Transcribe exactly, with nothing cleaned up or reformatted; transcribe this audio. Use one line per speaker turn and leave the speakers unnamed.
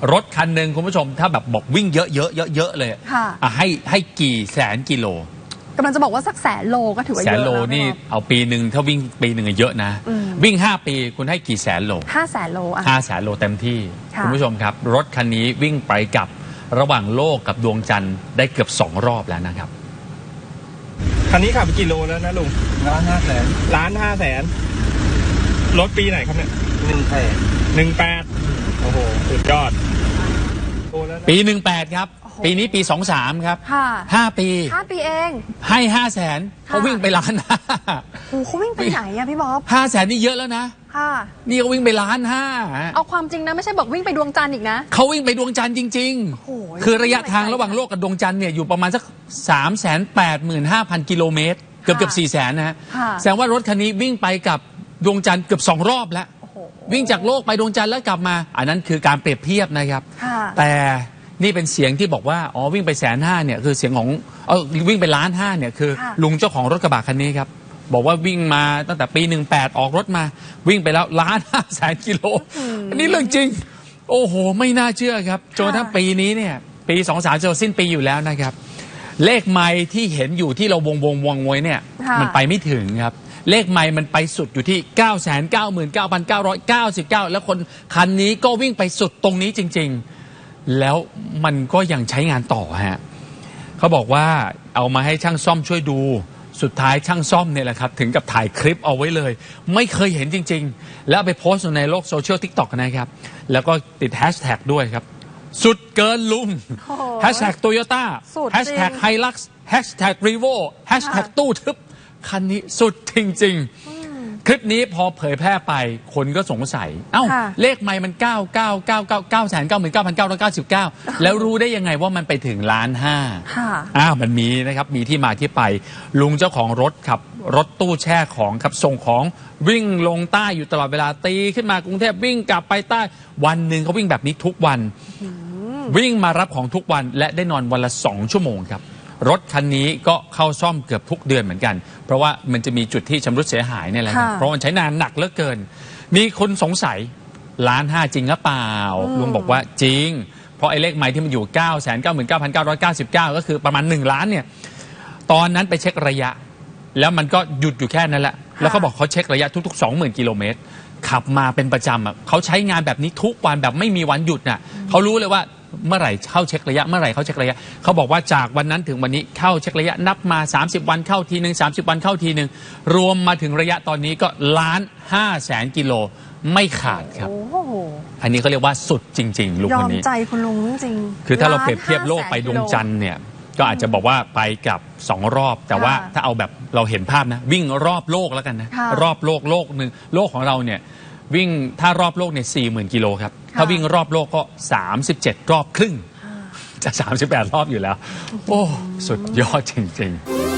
รถคันหนึ่งคุณผู้ชมถ้าแบบบอกวิ่งเยอะๆเยอะๆเลยอ่ะให้ให้กี่แสนกิโล
กำลังจะบอกว่าสักแสนโลก็ถือว่าเยอะ
แสนโลนี่เอาปีหนึ่งถ้าวิ่งปีหนึ่งเยอะนะวิ่งห้าปีคุณให้กี่แสนโล
ห้าแสนโลอ่ะ
ห้าแสนโลเต็มที่คุณผู้ชมครับรถคันนี้วิ่งไปกับระหว่างโลกกับดวงจันทร์ได้เกือบสองรอบแล้วนะครับ
คันนี้ขับไปกี่โลแล้วนะลุง
ล้านห้าแสน
ล้านห้าแสนรถปีไหนครับเนี่ย
หนึ่งแปด
หนึ่งแปดโอ้โหสุดยอด
ปีหนึ่งแปดครับปีนี้ปีสองสามครับห้าปี
ห้าปีเอง
ให้ห้าแสนเขาวิ่งไปล้านห้า
โอ้เขาวิ่งไปไหนอะพี่บ๊อบ
ห้าแสนนี่เยอะแล้วนะ
ค่ะ
นี่เขาวิ่งไปล้านห้า
เอาความจริงนะไม่ใช่บอกวิ่งไปดวงจันทร์อีกนะ
เขาวิ่งไปดวงจันทร์จริงๆคือระยะทางระหว่างโลกกับดวงจันทร์เนี่ยอยู่ประมาณสักสามแสนแปดหมื่นห้าพันกิโลเมตรเกือบเกือบสี่แสนนะฮะแสดงว่ารถคันนี้วิ่งไปกับดวงจันทร์เกือบสองรอบแล้ววิ่งจากโลกไปดวงจันทร์แล้วกลับมาอันนั้นคือการเปรียบเทียบนะครับแต่นี่เป็นเสียงที่บอกว่าอ๋อวิ่งไปแสนห้าเนี่ยคือเสียงของเออวิ่งไปล้านห้าเนี่ยคือลุงเจ้าของรถกระบะคันนี้ครับบอกว่าวิ่งมาตั้งแต่ปีหนึ่งแปดออกรถมาวิ่งไปแล้วล้านห้าแสนกิโลอันนี้เรื่องจริงโอ้โหไม่น่าเชื่อครับจนทั้งปีนี้เนี่ยปีสองสามจะสิ้นปีอยู่แล้วนะครับเลขไมล์ที่เห็นอยู่ที่เราวงวงวงไว้เนี่ยมันไปไม่ถึงครับเลขไมล์มันไปสุดอยู่ที่ เก้าแสนเก้าหมื่นเก้าพันเก้าร้อยเก้าสิบเก้า แล้วคนคันนี้ก็วิ่งไปสุดตรงนี้จริงๆแล้วมันก็ยังใช้งานต่อฮะเขาบอกว่าเอามาให้ช่างซ่อมช่วยดูสุดท้ายช่างซ่อมเนี่ยแหละครับถึงกับถ่ายคลิปเอาไว้เลยไม่เคยเห็นจริงๆแล้วไปโพสต์ในโลกโซเชียล ติ๊กต็อก นะครับแล้วก็ติดแฮชแท็กด้วยครับสุดเกินลุงแฮชแท็กโตโยต้าแฮชแท็กไฮลักซ์แฮชแท็กรีโวแฮชแท็กตู้ทึบคันนี้สุดจริงๆคลิปนี้พอเผยแพร่ไปคนก็สงสัยเอ้าเลขไมล์มันเก้าเก้าเก้าเก้าเก้าแสนเก้าหมื่นเก้าพันเก้าร้อยเก้าสิบเก้าแล้วรู้ได้ยังไงว่ามันไปถึงล้านห้าอ้าวมันมีนะครับมีที่มาที่ไปลุงเจ้าของรถขับรถตู้แช่ของขับส่งของวิ่งลงใต้อยู่ตลอดเวลาตีขึ้นมากรุงเทพวิ่งกลับไปใต้วันหนึ่งเขาวิ่งแบบนี้ทุกวันวิ่งมารับของทุกวันและได้นอนวันละสองชั่วโมงครับรถคันนี้ก็เข้าซ่อมเกือบทุกเดือนเหมือนกันเพราะว่ามันจะมีจุดที่ชำรุดเสียหายเนี่ยแหละครับเพราะมันใช้นานหนักเหลือเกินมีคนสงสัยล้านห้าจริงหรือเปล่าลุงบอกว่าจริงเพราะไอ้เลขไมล์ที่มันอยู่ เก้าแสนเก้าหมื่นเก้าพันเก้าร้อยเก้าสิบเก้า ก็คือประมาณหนึ่งล้านเนี่ยตอนนั้นไปเช็คระยะแล้วมันก็หยุดอยู่แค่นั้นแหละแล้วเขาบอกเขาเช็คระยะทุกๆ สองหมื่น กิโลเมตรขับมาเป็นประจำอ่ะเขาใช้งานแบบนี้ทุกวันแบบไม่มีวันหยุดน่ะเขารู้เลยว่าเมื่อไหร่เข้าเช็คระยะเมื่อไหร่เข้าเช็คระยะเขาบอกว่าจากวันนั้นถึงวันนี้เข้าเช็คระยะนับมาสามสิบวันเข้าทีนึงสามสิบวันเข้าทีนึงรวมมาถึงระยะตอนนี้ก็ล้านห้าแสนกิโลไม่ขาดครับอันนี้เขาเรียกว่าสุดจริงๆลุงคนนี้
ยอมใจคุณลุงจริง
คือถ้าเราเปรียบเทียบโลกไปดวงจันทร์เนี่ยก็อาจจะบอกว่าไปกับสองรอบแต่ว่าถ้าเอาแบบเราเห็นภาพนะวิ่งรอบโลกแล้วกันนะรอบโลกโลกหนึ่งโลกของเราเนี่ยวิ่งถ้ารอบโลกเนี่ยสี่หมื่นกิโลครับถ้าวิ่งรอบโลกก็สามสิบเจ็ดรอบครึ่งจะสามสิบแปดรอบอยู่แล้วโอ้สุดยอดจริงๆ